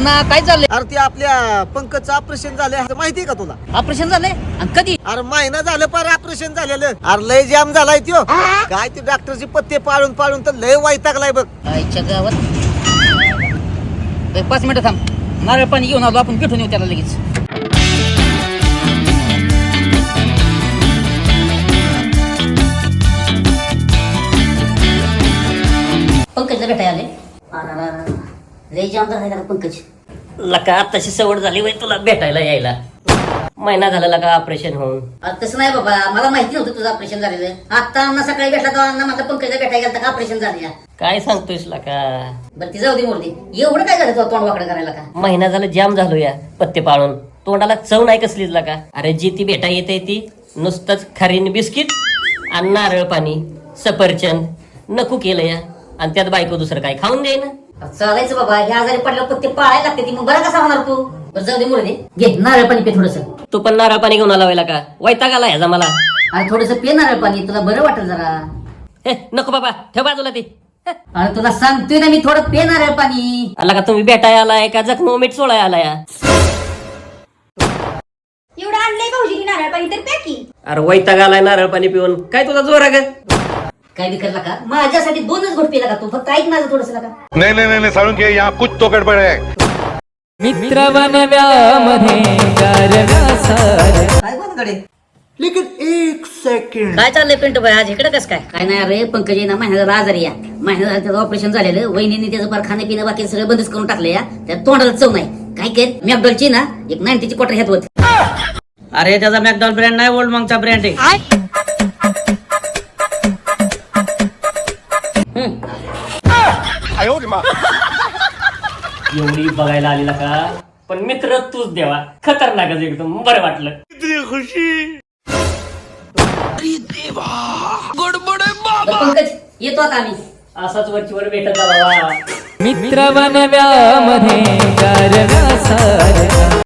अण्णा काय चाललंय? अरे ते आपल्या पंकजचं ऑपरेशन झालंय माहितीये का तुला? ऑपरेशन झालंय आणि कधी? अरे महिना झालं पार ऑपरेशन झालेलं. अरे लय जाम झालाय त्यो. काय ते डॉक्टरचे पत्ते पाळून पाळून तर लय वैतागलाय बघ. आईच्या गावात 5 मिनिटं थांब, नारळ पाणी घेऊन आलो, आपण भेटून येऊ त्याला लगेच. पंकजला भेटाय आले. लय जाम झाला पंकज. लका आताशी सवड झाली वय तुला भेटायला यायला. महिना झाला लका ऑपरेशन होऊन. तसं नाही बाबा, मला माहिती नव्हतं तुझं ऑपरेशन झालेलं. आता अण्णा सकाळी भेटला तर अण्णा माझा पंकजला भेटायला गेला का ऑपरेशन झालं. काय सांगतोयस लका? बरं ती जाऊ दे मोरदी. एवढं काय झालं तुला तोंड वाकडं करायला का? महिना झाला जाम झालो या पत्ते पाळून. तोंडाला चव नाही कसलीच लका. अरे जी ती भेटा येते ती नुसतंच खारीन बिस्किट आणि नारळ पाणी सफरचंद नको केलं या. आणि त्यात बायको दुसरं काय खाऊन द्याय ना. चालायचं बाबा, ह्या आजारी पडल्यावर पत्ते पाळायला लागते ती, मग बरं कसा होणार तू? बरं जाऊ दे मोरदी, घे नारळ पाणी पे थोडस. तू पण नारळ पाणी घेऊन आला का? वैताग आला ह्याचा मला. अरे थोडस पे नारळ पाणी, तुला बरं वाटेल जरा. हे नको बाबा, ठेव बाजूला ती. अरे तुला सांगतोय ना मी, थोडं पे नारळ पाणी. आला का तुम्ही भेटाय आलाय का जखम मीठ सोळाय आलाय? एवढं आणलंय भाऊजी नारळ पाणी तर प्या की. अरे वैताग आलाय नारळ पाणी पिऊन. काय तुझा जोर आहे का? काय विकरला का? माझ्यासाठी 2च घोट पेला का तू? फक्त ऐक माझं थोडस का. नहीं नहीं नहीं साळुंखे, यहाँ कुछ तो गड़बड़ है. मित्र बनव्यामध्ये काय बनकडे? लेकिन एक सेकंड. काय चाललंय पिंटू भाई आज इकडे कसं काय? काय नाही अरे, पंकज ना महिन्याला आजारी या. महिन्यात झालं त्याचं ऑपरेशन झालेलं. वहिनीने त्याचं फार खाणं पिणं बाकी सगळं बंदच करून टाकलं या. त्या तोंडाला चव नाही. काय काय मॅकडॉलची ना एक 90ची क्वार्टर ह्यात होती. अरे त्याचा मॅकडॉल ब्रँड नाही, ओल्ड मॉंगचा ब्रँड आहे. एवढी बघायला आलेला का? पण मित्र तूच देवा, खतरनाकच एकदम. बरं वाटलं. पंकज येतो आता आम्ही. असाच वरचीवर भेटत जा बाबा. मित्र बनव्यामध्ये